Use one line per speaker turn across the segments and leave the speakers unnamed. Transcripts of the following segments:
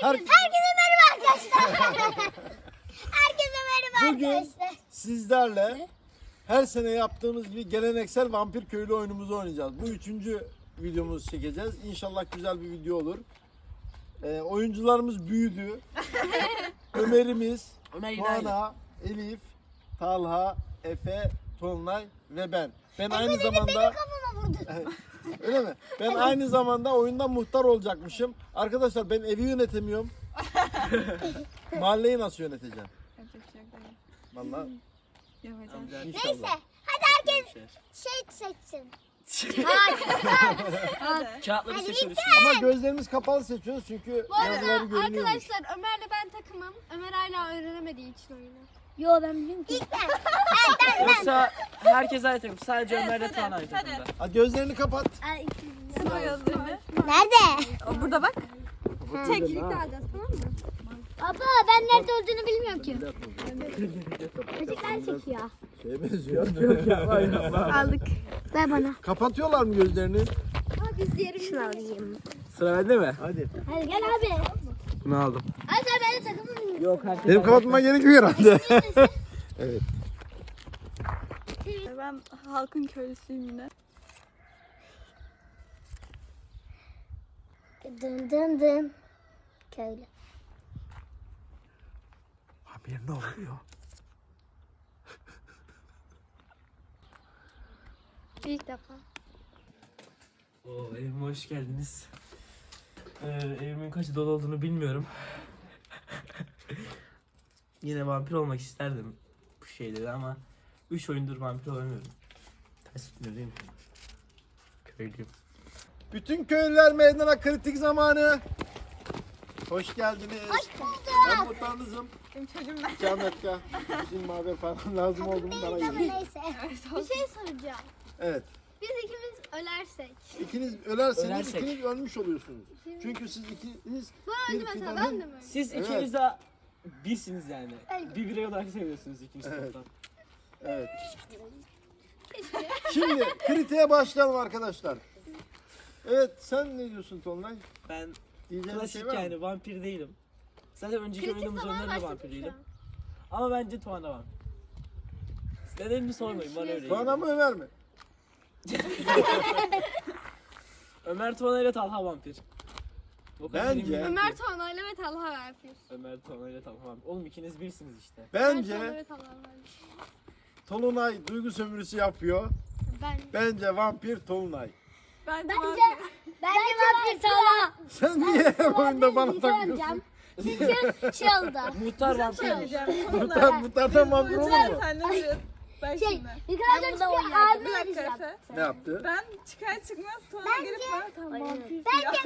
Herkese merhaba arkadaşlar. Herkese merhaba
Bugün
arkadaşlar.
sizlerle her sene yaptığımız gibi geleneksel vampir köylü oyunumuzu oynayacağız. Bu 3. videomuzu çekeceğiz. İnşallah güzel bir video olur. Oyuncularımız büyüdü. Ömer'imiz, Tuana, Elif, Talha, Efe, Tolunay ve ben. Ben aynı zamanda...
Kafama vurdu.
Öyle mi? Ben aynı zamanda oyunda muhtar olacakmışım. Arkadaşlar ben evi yönetemiyorum. Mahalleyi nasıl yöneteceğim?
Yapacak bir şey yok dayı.
Vallahi
Yapacağım.
Neyse
inşallah.
hadi herkes şey seçsin.
Kağıtları
Hadi
seçiyoruz.
Ama gözlerimiz kapalı seçiyoruz çünkü
Bu arada
yazıları görünüyormuş.
arkadaşlar Ömer'le ben takımım. Ömer hala öğrenemediği için oyunu.
Yo ben biliyorum ki. İlk ben.
Yoksa herkes aynı takım. Sadece
Evet,
Ömer'le
hadi,
Tuğan aynı
hadi.
takımda.
Ha, gözlerini kapat.
Sıra gözlerini.
Nerede?
Burada bak. Çek.
Birlikte alacağız, tamam mı?
Baba ben nerede olduğunu bilmiyorum ki. Çocuklar çekiyor.
Şeye benziyor.
Aldık.
Ver bana.
Kapatıyorlar mı gözlerini?
Şunu alayım.
Sıra bende mi?
Hadi.
Hadi gel abi.
Bunu aldım.
Hadi sen ben de takımım.
Yok herkes.
Benim kapatmama gerekiyor herhalde. Evet.
Ben halkın köylüsüyüm yine.
Dın dın dın. Köylü.
Abi ne oluyor?
İlk defa.
Oo, evime hoş geldiniz. Evimin kaçı dolu olduğunu bilmiyorum. Yine vampir olmak isterdim bu şeyleri ama 3 oyundur vampir olamıyorum. Ters tutmuyor değil mi? Köylüyüm.
Bütün köylüler meydana, kritik zamanı. Hoş geldiniz.
Hoş bulduk.
Ben muhtarınızım.
Benim çocuğum ben.
Cametka. Bizim haber falan lazım oldu mu bana
Değil ama
gelin.
neyse.
Bir şey soracağım.
Evet.
Biz ikimiz ölersek.
İkiniz ölerseniz
Ölersek.
ikiniz ölmüş oluyorsunuz. Çünkü siz ikiniz
Bu öldü mesela, ben de mi?
Siz
Evet.
ikiniz de birsiniz yani. Bir birey olarak seviyorsunuz ikiniz
Evet.
toplam.
Evet. Şimdi kritiğe başlayalım arkadaşlar. Evet, sen ne diyorsun Tolunay?
Ben
Diyeceğin bir
klasik
şey var mı?
yani vampir değilim. Zaten önceki
Kritik
oyunumuz
zaman
oyunlarda
başladık
vampir
şu
değilim.
an.
Ama bence Tuana vampir. Nedenini sormayın bana öyle.
Tuana mı Ömer mi?
Ömer Tuana ile Talha vampir. O kadar
Bence-
eminim ki.
Ömer Tuana'yla ve Talha yapıyor.
Ömer Tuana ile Talha vampir. Oğlum ikiniz birsiniz işte.
Tuana
Bence
ve Talha var.
Tolunay duygu sömürüsü yapıyor.
Ben.
Bence vampir Tolunay.
Bence
Bence vampir Talha.
Sen niye oyunda bana
Bir şey
takıyorsun?
yapacağım. Çünkü şey oldu.
Muhtar vampir.
Muhtardan vampir olur mu?
Sen ne diyorsun? Bak
Şey,
şimdi.
yukarıda çıkıyor abi
Bir dakika
arayacağım.
Efe.
Ne yaptı?
Ben çıkar çıkmaz sonra gelip bana tamam vampir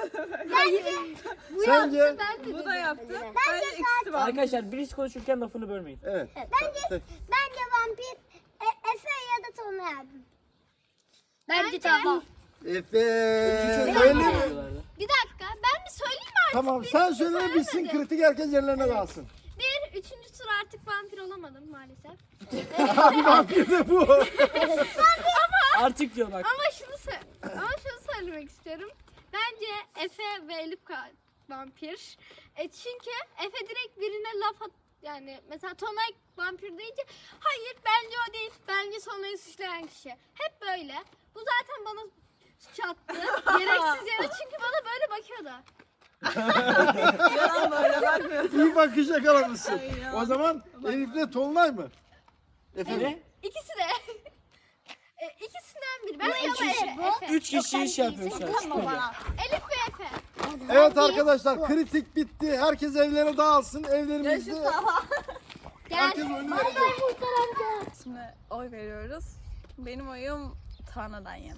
Sence?
Bu da yaptı. Bence ikisi var.
Arkadaşlar birisi konuşurken lafını bölmeyin.
Evet.
Bence vampir Efe ya da Tolunay abi. Bence Talha.
Efe.
Öyle
Öyle mi?
Bir dakika, ben bir söyleyeyim mi artık?
Tamam sen söyle bitsin, kritik herkes yerlerine kalsın.
Bir, üçüncü tur artık vampir olamadım maalesef.
Abi vampir de bu.
Artık diyor bak.
Ama şunu söylemek istiyorum. Bence Efe ve Elif vampir. Çünkü Efe direkt birine laf at, yani mesela Tonay vampir deyince hayır bence o değil. Bence Tonay'ı suçlayan kişi. Hep böyle. Bu zaten bana suç attı. Gereksiz yere çünkü bana böyle bakıyordu.
Yalan böyle bakmıyor.
İyi bakış yakalamışsın.
Ay ya.
O zaman Elif'le Tolunay mı? Efe mi?
İkisi de. İkisinden biri. Ben ama Efe.
3 kişi iş yapıyor şu an. stüdyo.
Elif ve Efe.
Evet arkadaşlar, kritik bitti. Herkes evlere dağılsın. Evlerimizde
Görüşürüz Talha.
herkes oyunu verecek.
Şimdi oy veriyoruz. Benim oyum Tuana'dan yana.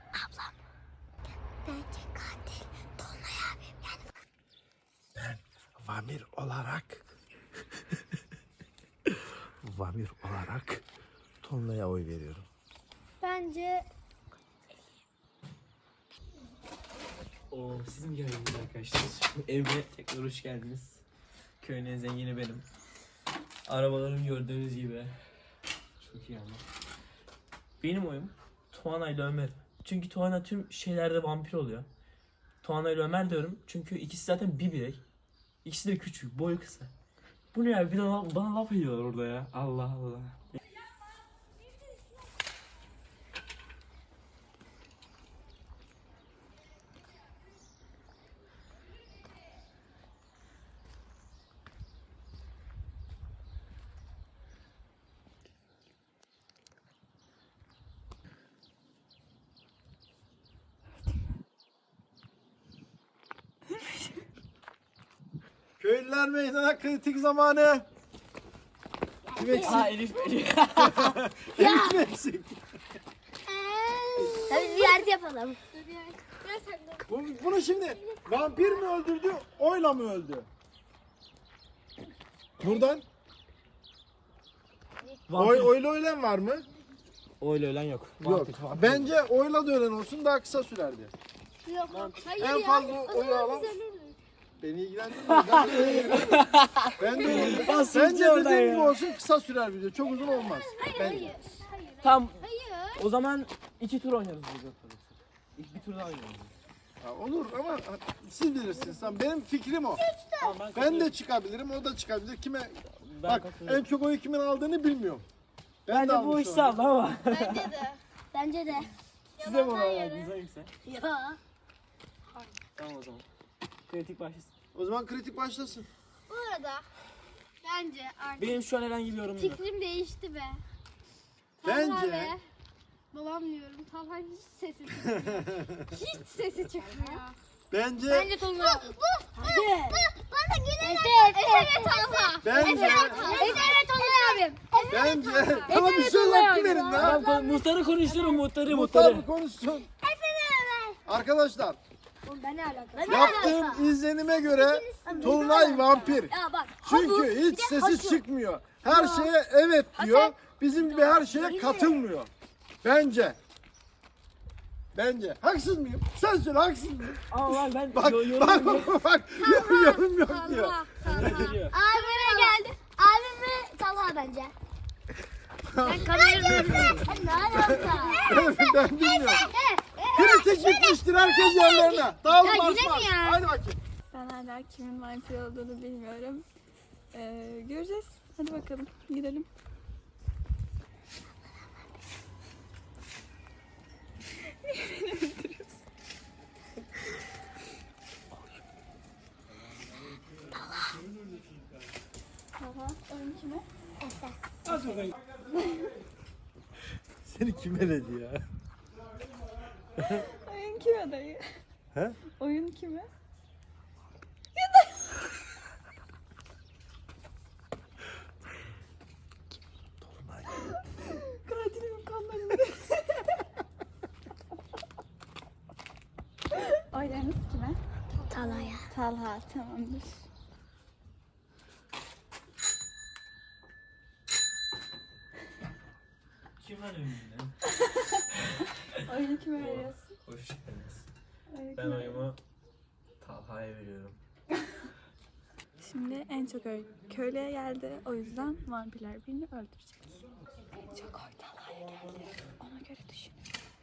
Bence katil Tolunay abi. Yani
Vamir olarak Tolunay'a oy veriyorum.
Bence
Oo, siz mi geldiniz arkadaşlar? Evime tekrar hoş geldiniz. Köyün en zengini benim. Arabalarım gördüğünüz gibi. Çok iyi ama. Benim oyum Tuana ile Ömer. Çünkü Tuana tüm şeylerde vampir oluyor. Tuana ile Ömer diyorum çünkü ikisi zaten bir birey. İkisi de küçük, boyu kısa. Bu ne ya? Bir de bana laf ediyorlar orada ya. Allah Allah.
Köylüler meydana, kritik zamanı. Kim eksik?
Elif Elif.
Elif mi eksik?
Hadi ziyaret yapalım.
Bunu şimdi vampir mi öldürdü, oyla mı öldü? Buradan oyla ölen var mı?
Öyle ölen yok.
Yok. Bence oyla da ölen olsun, daha kısa sürerdi.
Yok. Hayır
En
ya.
fazla oyu alan beni ilgilendirmiyor. Ben de öyle.
Bas
Bence
iyice oradan
dediğim
ya.
gibi olsun, kısa sürer video. Çok uzun olmaz. Bence.
Tam
Hayır.
o zaman 2 tur oynarız burada. Bir tur daha oynarız.
Ha, olur ama siz bilirsiniz. Tamam, benim fikrim o.
Tamam,
Ben de çıkabilirim, o da çıkabilir. Kime bak
katılıyorum.
en çok oyu kimin aldığını bilmiyorum.
Ben de bu
almış
işi aldım ama.
Bence de.
Bence de.
Size mi oy verdiniz hangisi?
Ya.
Tamam o zaman. Kritik başlasın.
O zaman kritik başlasın.
Bu arada bence artık
Benim şu an herhangi bir yorumum yok.
fikrim değişti be.
Bence-
Talha ve babam diyorum. Talha hiç sesi çıkmıyor. Hiç sesi çıkmıyor.
Bence
Tolga.
Hadi.
Bana gelin. Efe ve Talha.
Bence
Evet Tolga abim.
bence tamam bir söz hakkı verin ya.
Ben muhtarı konuşurum muhtarı.
Muhtar mı konuşsun? Arkadaşlar,
Ben ne alaka?
yaptığım izlenime göre Tolunay vampir.
Ya bak.
Çünkü hiç sesi çıkmıyor. Her şeye evet diyor. Bizim gibi her şeye katılmıyor. Bence. Bence. Haksız mıyım? Sen söyle, haksız mıyım?
Ama ben
Bak,
yorumum yok.
bak, yorum yok diyor.
Geliyor.
Kamera geldi.
Abim ve Talha bence. Ben kamerayı Ne alaka?
Ben bilmiyorum. Kritik gitmiştir herkes yerlerine. Dağılın
Ya yine
marşlar.
mi ya?
Hadi bakayım.
Ben hala kimin vampir olduğunu bilmiyorum. Göreceğiz. Hadi bakalım gidelim. Oyun kime?
Seni kim eledi ya?
Oyun kime dayı?
He?
Oyun kime? Katilimin kanlarını. Oylarınız kime?
Talha'ya.
Talha tamamdır.
Kim lan önünde?
Oyunu kime veriyorsun?
Hoş geldiniz.
Oyunu
Ben
kime
oyumu Talha'ya veriyorum.
Şimdi en çok köylüye geldi. O yüzden vampirler birini öldürecek. En çok oy Talha'ya geldi. Ona göre düşün.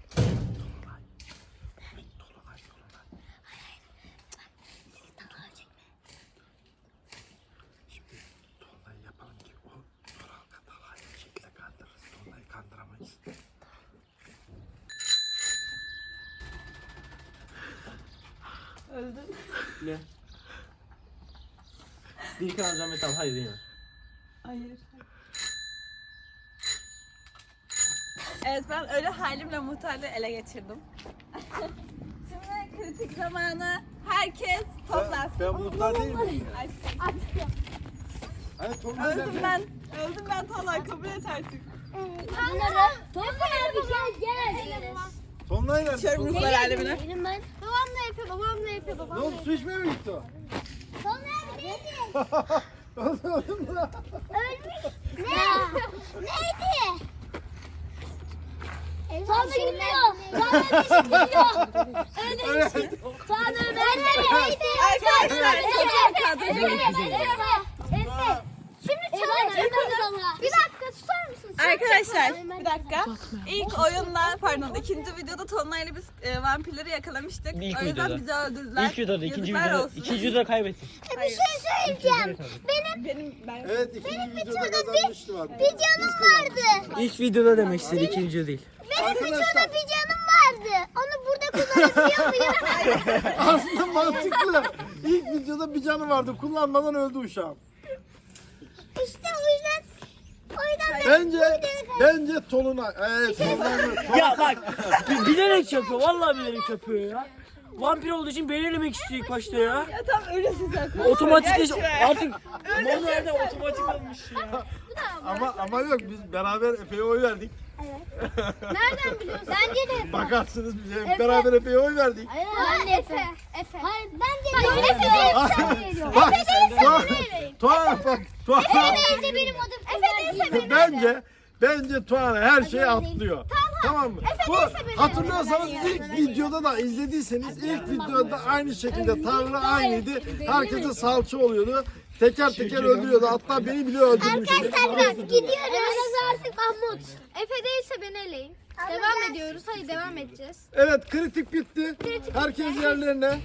Tolunay'ı yapalım ki o Turan'la Talha'yı bir şekilde kandırırız. Tolunay'ı kandıramayız.
Öldün.
Ne? Bir kan alacağım ve Talha'yı değil mi?
Hayır. Evet ben ölü halimle muhtarlığı ele geçirdim. Şimdi kritik zamanı. Herkes toplansın.
Ben muhtar değil miyim?
Ay,
Hani Tolunay
öldüm
nerede?
ben. Öldüm ben Talha kabul et artık.
Tolga abi gel.
Tolunay nerede?
Şöyle
Tolunay-
ruhlar alemine.
Benim ben.
Babam ne yapıyor? Babam ne yapıyor?
Ne
Babam
oldu? Su içmeye mi gitti o?
Tolga abi neydi?
Öldüm lan.
Ölmüş. Neydi? Tolga gitmiyor. Tolga gitmiyor. Ölmüş. Tolga neydi?
Arkadaşlar çok kadro.
Efe. Şimdi çalın. Bir dakika tutar mısın
Arkadaşlar bir dakika. İlk oyunla pardon ikinci videoda Tonlay'la biz vampirleri yakalamıştık.
İlk
O yüzden
videoda.
bizi öldürdüler.
İlk videoda, ikinci
Yazıklar
videoda,
olsun.
ikinci videoda kaybettik.
Bir şey söyleyeceğim.
Ben
Evet, ikinci videoda kazanmıştı var.
Bir canım vardı.
İlk videoda demek istedi, ikinci değil.
Benim
Arkadaşlar-
videoda bir canım vardı. Onu burada kullanabiliyor muyum?
Aslında mantıklı. İlk videoda bir canı vardı. Kullanmadan öldü uşağım.
İşte o yüzden
Bence Tolunay. Tolunay.
Ya bak, bilerek yapıyor, vallahi bilerek yapıyor ya. Vampir olduğu için belirlemek istiyor ilk başta ya.
ya tam öyle size.
Otomatikleş artık manuelde otomatik olmuş ya.
Ama yok, biz beraber Efe'ye oy verdik.
Nereden biliyorsun?
Bence de.
Bakarsınız bize hep beraber Efe'ye oy verdik.
Hayır,
Efe.
Hayır, bence de.
Bak, Tuana bak, Tuana.
Neyse benim adım Efe.
Bence Tuana her şeyi atlıyor. Tamam mı? Bu hatırlıyorsanız ilk videoda da izlediyseniz ilk videoda aynı şekilde Tanrı aynıydı. Herkese salça oluyordu. Teker teker öldürüyordu. Hatta beni bile öldürmüştü.
Arkadaşlar biz gidiyoruz. Artık Mahmut.
Efe değilse beni eleyin. Devam ediyoruz. Hadi devam edeceğiz.
Evet, kritik bitti. Herkes yerlerine.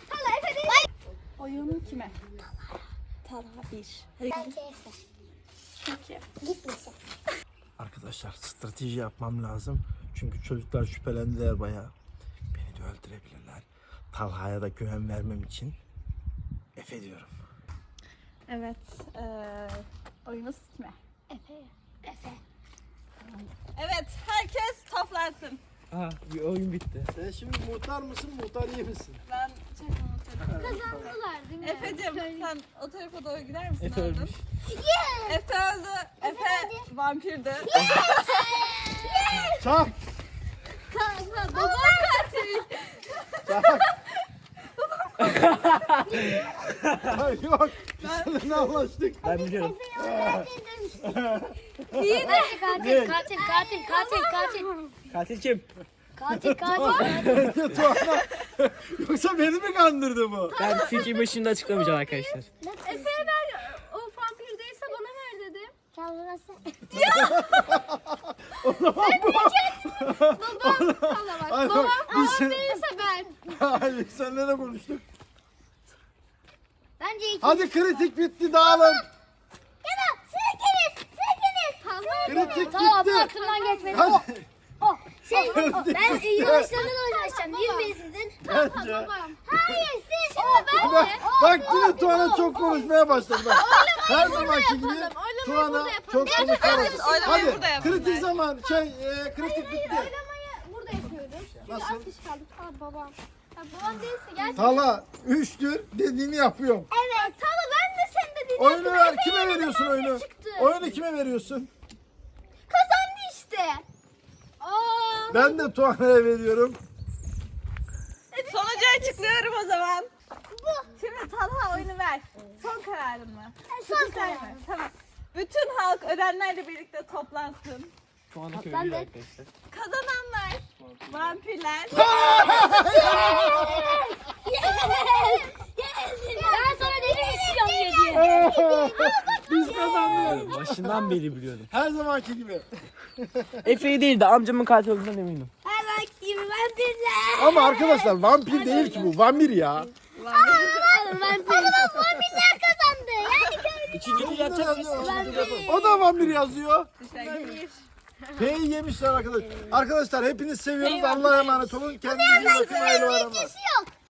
Oyun kime? Talha 1.
Bence Efe.
2.
Gitmesin.
Arkadaşlar strateji yapmam lazım. Çünkü çocuklar şüphelendiler bayağı. Beni de öldürebilirler. Talha'ya da güven vermem için Efe diyorum.
Evet. Oyunuz kime?
Efe.
Evet. Herkes toplansın.
Aha, bir oyun bitti.
Sen şimdi muhtar mısın, muhtar iyi misin?
Ben
Kazandılar değil mi?
Efe'cim sen o tarafa doğru gider misin?
Efe
oğlum?
ölmüş.
Efe öldü. Efe vampirdi.
Çak!
Babam katil.
Ay yok, biz seninle anlaştık.
Ben biliyorum.
Katil.
Katil kim?
Katil.
Bence Tuana. Yoksa beni mi kandırdı bu?
Ben fikri başında açıklamayacağım arkadaşlar.
Efe'ye ver. O vampir değilse bana ver dedim. Babam. Valla bak.
Ay bak,
Babam
biz
babam değilse ben.
Hayır, seninle ne konuştuk?
Bence iki.
Hadi kritik bitti, dağılın.
Sikiniz.
Tamam.
Kritik
Tamam, bu
bitti.
aklımdan geçmedi.
Hadi.
Ben yavaşlarından uğraşacağım. Değil mi sizin?
Bence.
Babam.
Hayır, siz. Şimdi
Bak yine Tuana çok konuşmaya başladı. Bak. Her zamanki gibi
Oylamayı
Tuana
burada yapalım.
çok konuşarak.
oylamayı
Hadi
burada yapalım.
kritik zaman kritik bitti.
Oylamayı burada yapıyoruz. Çünkü
Nasıl?
az kişi kaldık. Aa babam. Ya babam değilse gerçekten.
Tala 3'tür dediğini yapıyorum.
Evet. Tamam ben de senin dediğini
Oyunu
yaptım.
ver.
Efe'ye
Kime
de
veriyorsun
vampir
oyunu?
çıktı.
Oyunu kime veriyorsun?
Kazandı işte. Aa.
Ben de Tuana'ya veriyorum.
Sonucu açıklıyorum o zaman. Şimdi Talha oyunu ver. Son kararın mı?
son karar.
Tamam. Bütün halk ölenlerle birlikte toplansın.
Şu anda köylüyüz arkadaşlar.
Kazananlar vampirler.
Ben sana dedim istiyorum diye.
Biz kazandık.
Başından beri biliyordum.
Her zamanki gibi.
Efe'yi değil de amcamın katil olduğundan eminim.
Hemen gibi vampirler.
Ama arkadaşlar vampir değil ki bu. Vampir ya.
Vampirler kazandı. Yani köylü.
İkinci tur yapacak mıyız?
O da vampir yazıyor.
Teşekkür.
P'yi yemişler arkadaşlar. Arkadaşlar hepiniz seviyoruz. Allah'a emanet olun. Kendinize iyi bakın. Hayırlı bayramlar.
yok.